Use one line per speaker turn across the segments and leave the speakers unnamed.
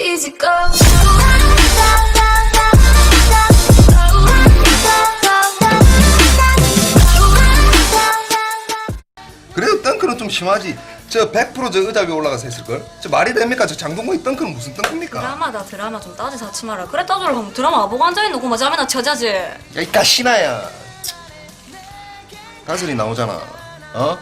easy go.
그래도 덩크는 좀 심하지. 저 100% 저 의자 위에 올라가서 했을걸? 저 말이 됩니까? 저 장동건이 덩크는 무슨 덩크입니까?
드라마다 드라마 좀 따지 사치 마라. 그래 따지러 가면 드라마 보고 앉아있는 고마 잠이나 쳐자지.
야, 이 가시나야. 다슬이 나오잖아. 어?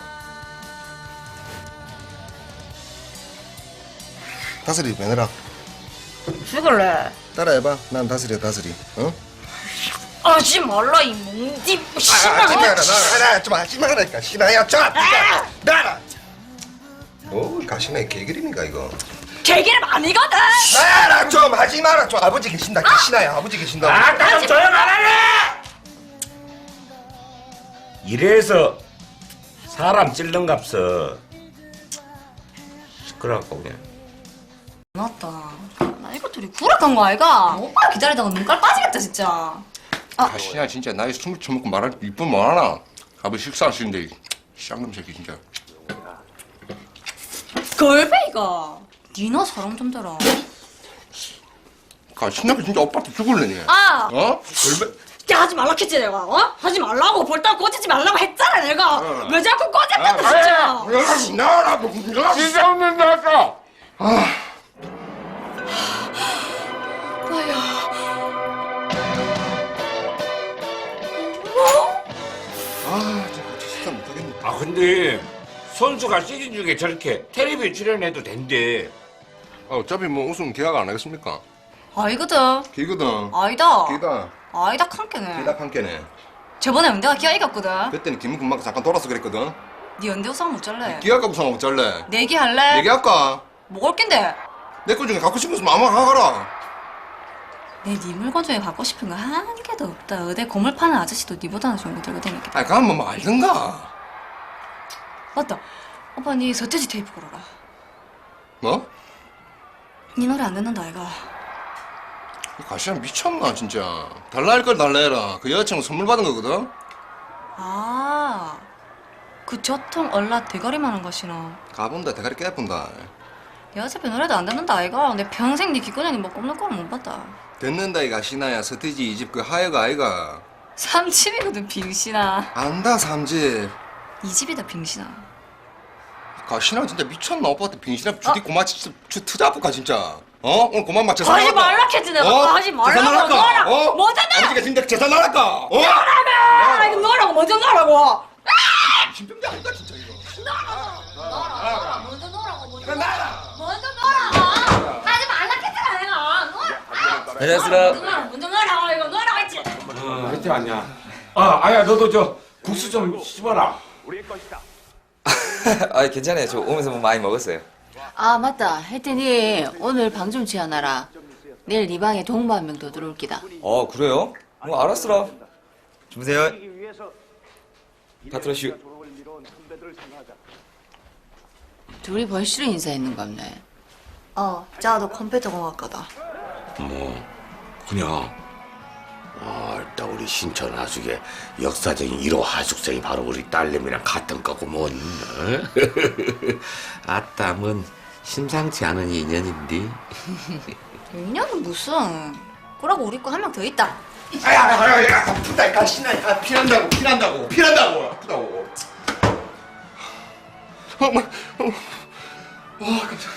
다슬이 매너라.
죽을래.
따라해봐. 난 다슬이야, 다슬이. 어?
하지 말라 이 몽디
하지 마라. 좀 하지 마라니까. 신하야, 좀. 나라. 오, 가시나의 개그림인가 이거?
개기름 아니거든.
나라 좀 하지 마라. 좀 아버지 계신다. 가시나야, 아버지 계신다.
아까 좀 조용하라네! 이래서 사람 찔른 값어 시끄러워갖고 그냥.
맞다. 나 이거 둘이 구락한 거 아이가? 오빠 기다리다가 눈깔 빠지겠다 진짜.
가시나 진짜 나이 숨을 처먹고 말할 이쁜 뭐하나? 아버지 식사하시는데 쌍놈 새끼 진짜.
걸베이가. 니나 사람 좀 대라.
가시나가 진짜 오빠한테 죽을래니.
아!
어? 얼마?
야 하지 말라 했지 내가. 어? 하지 말라고 볼따 꽂히지 말라고 했잖아 내가. 왜 자꾸 꽂았겠다 진짜.
나라
진짜 없는 나왔어!
진짜 못하겠네.
아 근데 선수가 시즌 중에 저렇게 텔레비전 출연해도 된대.
어차피 뭐 우승 계약 안 하겠습니까?
아이거든.
기거든.
아이다.
기다.
아이다 칸께네.
기다 함께네.
저번에 연대가 기아 이겼거든.
그때는 김은근 맞고 잠깐 돌아서 그랬거든.
니 연대 우상 못 잘래.
기아가 우승 못 잘래.
내기 할래?
얘기할까?
먹을 낀데.
내 거 중에 갖고 싶은 거 아무나 가거라.
내 네 물건 중에 갖고 싶은 거 한 개도 없다. 의대 고물 파는 아저씨도 니보다는 좋은 거 들고 다니겠다.
아니 가면 뭐 알든가.
맞다. 오빠 니 서태지 테이프 걸어라.
뭐?
니 노래 안 듣는다 아이가.
가시나 미쳤나 진짜. 달라 할 걸 달라 해라. 그 여자친구 선물 받은 거거든.
아, 그 저통 얼라 대가리만한 것이나.
가본다 대가리 깨뿐다.
야 어차피 노래도 안 듣는다 아이가. 내 평생 니 기꺼냥이 뭐 꼽는 거는 못 봤다.
듣는다 이 가시나야. 서태지 이 집 그 하여가 아이가.
삼집이거든 빙신아.
안다 삼집.
이 집이다 빙신아.
가시나 진짜 미쳤나. 오빠한테 빙신아 주디 고마 진짜 투자할까 진짜. 어? 오늘 고만 맞춰.
하지 말라 했지 내가. 하지 말라고. 너랑
어?
뭐잖아.
아버지가 진짜 재산 나랄까? 어?
너라며. 이거 너라고 먼저 너라고.
신병자 아닌가 진짜 이거.
너라 먼저 너라고 먼저 너라고. 하지 말라 했잖아 내가. 너라.
안녕하세요.
먼저 너라고 이거 너라고 했지.
하여튼 아니야. 아야 너도 저 국수 좀 씹어라.
아 괜찮아요. 저 오면서 뭐 많이 먹었어요.
아 맞다. 혜태니 오늘 방 좀 지어놔라. 내일 네 방에 동무 한 명 더 들어올 기다.
그래요? 뭐 알았어라. 주무세요. 파트러슈.
둘이 벌써 인사했는 거 없네.
자도 컴퓨터 공학과다.
뭐 그냥 일단 우리 신촌 하숙의 역사적인 1호 하숙생이 바로 우리 딸내미랑 같은 거고 뭔 아따 뭔 심상치 않은 인연인데.
인연은 무슨. 그러고 우리 거 한 명 더 있다.
야, 아프다, 가시나. 야, 피난다고. 아프다고. 깜짝.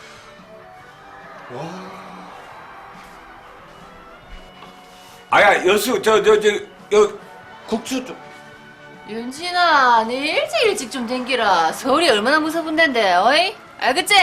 아야 여수 저 국수 좀.
윤진아, 내일 일찍 좀 댕기라. 서울이 얼마나 무서운 데인데, 어이? 알겠지?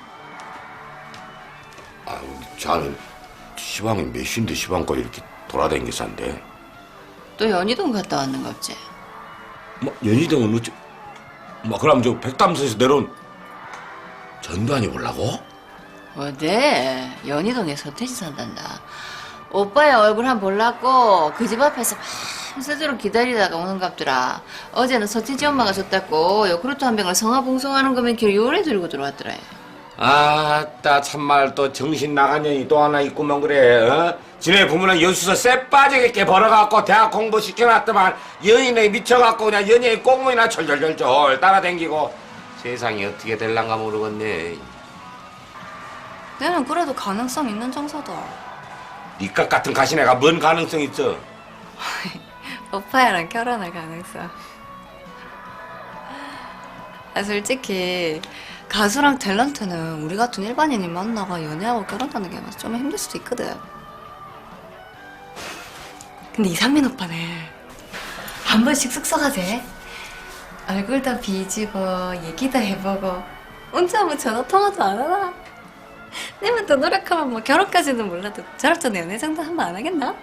자는 시방이 몇 시인데 시방거 이렇게 돌아다니게 산대.
또 연희동 갔다 왔는갑지?
뭐 연희동은 어째? 뭐 그럼 저 백담선에서 내려온 전두환이 올라고?
어디? 연희동에 서태지 산단다. 오빠의 얼굴 한 볼라고 그 집 앞에서 밤새도록 기다리다가 오는갑더라. 어제는 서태지 엄마가 줬다고 요구르트 한 병을 성화봉송하는 거면 길 요래 들고 들어왔더라.
아따 참말 또 정신 나간 년이 또 하나 있구먼 그래. 어? 지네 부모는 연수서 쎄 빠지게 벌어갖고 대학 공부 시켜놨더만 연인에 미쳐갖고 그냥 연예인 꽁무니나 철철철철 따라댕기고 세상이 어떻게 될란가 모르겠네.
내는 그래도 가능성 있는 정서다.
니값 같은 가시네가 뭔 가능성 있어?
오빠야랑 결혼할 가능성. 솔직히 가수랑 탤런트는 우리 같은 일반인이 만나가 연애하고 결혼하는 게 좀 힘들 수도 있거든. 근데 이상민 오빠는 한 번씩 숙소 가재. 얼굴도 비지고 얘기도 해보고 혼자 뭐 전화 통화도 안 하나? 내만 더 노력하면 뭐 결혼까지는 몰라도 저럴 전 연애 정도 한 번 안 하겠나?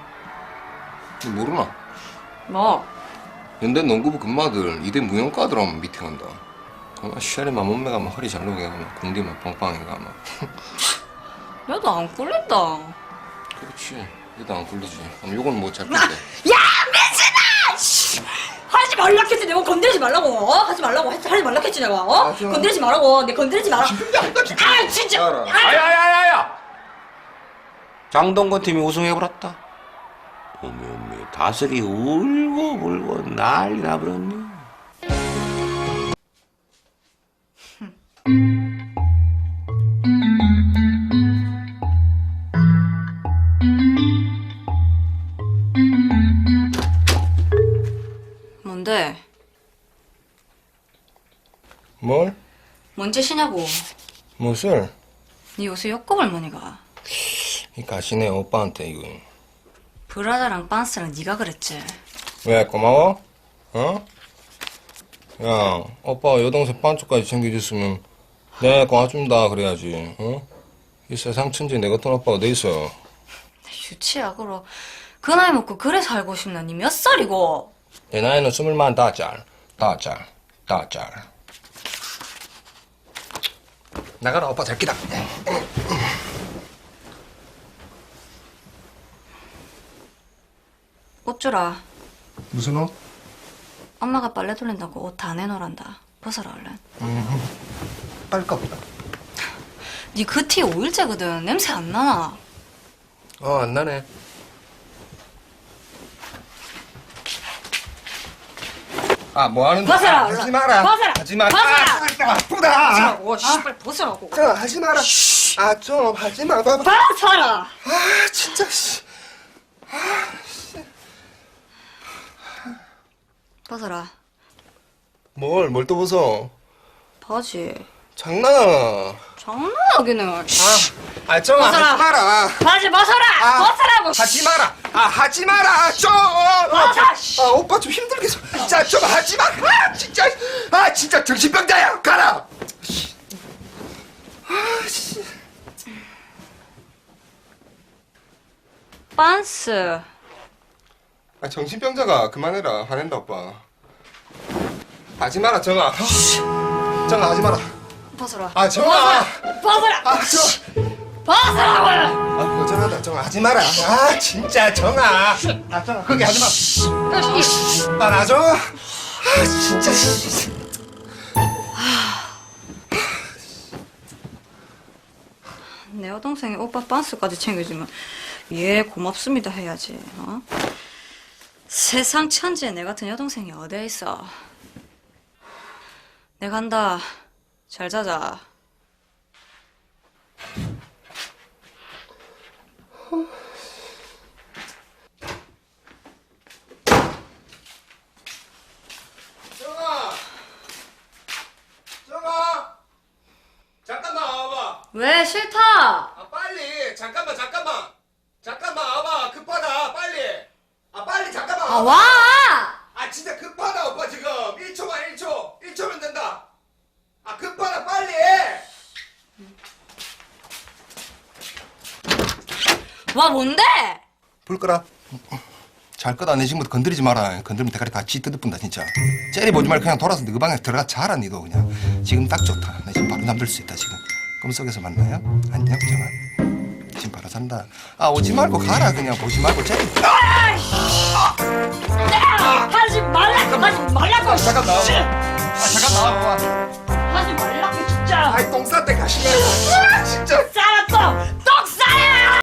모르나?
뭐?
연대 농구부 금마들 이대 무용과들하면 미팅한다. 아마 쉐리만 몸매가 막 허리 잘 녹게 막 공디만 빵빵해가 막.
나도 안 꿀린다.
그렇지. 얘도 안 굴리지. 그럼 요건 뭐 잘 꿀대.
야 미친아! 씨! 하지 말라 했지 내가 건드리지 말라고 하지 말라고 하지 말라 했지 내가 건드리지 말라고 내 건드리지 마라. 아 진짜.
아야야야야! 장동건 팀이 우승해버렸다. 어메 다슬이 울고 불고 난리 나버렸네.
뭔데?
뭘?
뭔 짓이냐고.
무엇을?
니 요새 욕구을 많이 가.
이 가시네 오빠한테 이거.
브라자랑 빤스랑 네가 그랬지.
왜 고마워? 어? 야 오빠가 여동생 반쪽까지 챙겨줬으면 내가 고맙습니다 그래야지. 어? 이 세상 천지 내 같은 오빠가 돼 있어.
유치약으로 그 나이 먹고 그래 살고 싶나? 니 몇 살이고?
내 나이는 24살. 나가라 오빠 잘 끼다.
옷 주라.
무슨 옷?
엄마가 빨래 돌린다고 옷 다 내놓으란다. 벗어라 얼른.
빨까 보다.
니 그 티 5일째거든. 냄새 안 나나?
안 나네. 뭐 하는 거야?
벗어라,
하지
얼른.
마라.
벗어라.
하지 마.
벗어라.
아프다.
오 씨발 벗으라고.
하지 마라. 좀 하지 마. 봐봐.
벗어라.
진짜 씨.
벗어라.
뭘 또 벗어?
바지.
장난하나?
장난하기는.
정아
벗어라.
하지 마라.
바지 벗어라. 벗으라고.
하지 마라. 하지 마라. 좀. 오빠 좀 힘들게 서. 자, 좀 하지 마. 진짜 정신병자야. 가라.
빤스.
정신병자가 그만해라. 화낸다 오빠. 하지 마라 정아. 정아 하지 마라.
벗어라.
정아.
벗어라. 벗으라고.
고전하다 정아 하지 마라. 진짜 정아. 정아 거기 하지 마. 나 정아. 진짜.
내 여동생이 오빠 빤스까지 챙겨주면 예 고맙습니다 해야지. 어? 세상 천지에 내 같은 여동생이 어디에 있어. 내 간다. 잘 자자.
정아. 잠깐만 와봐.
왜 싫다.
빨리. 잠깐만 와봐. 급하다. 빨리. 빨리 잠깐만.
와.
진짜 급하다 오빠 지금 1초만 1초면 된다. 급하다 빨리.
와 뭔데?
불 끄라. 잘 끄다. 내 지금부터 건드리지 마라. 건드리면 대가리 다 찌 뜯어뿐다 진짜. 째리 보지 말고 그냥 돌아서 너 방에 들어가 자라 니도 그냥. 지금 딱 좋다. 나 지금 바로 잠들 수 있다 지금. 꿈속에서 만나요. 안녕 정아. 지금 바로 잔다. 오지 말고 가라 그냥. 보지 말고 째리.
하지 말라고.
잠깐 나와. 잠깐 나와.
하지 말라고 진짜.
똥 쌀 때 가시네.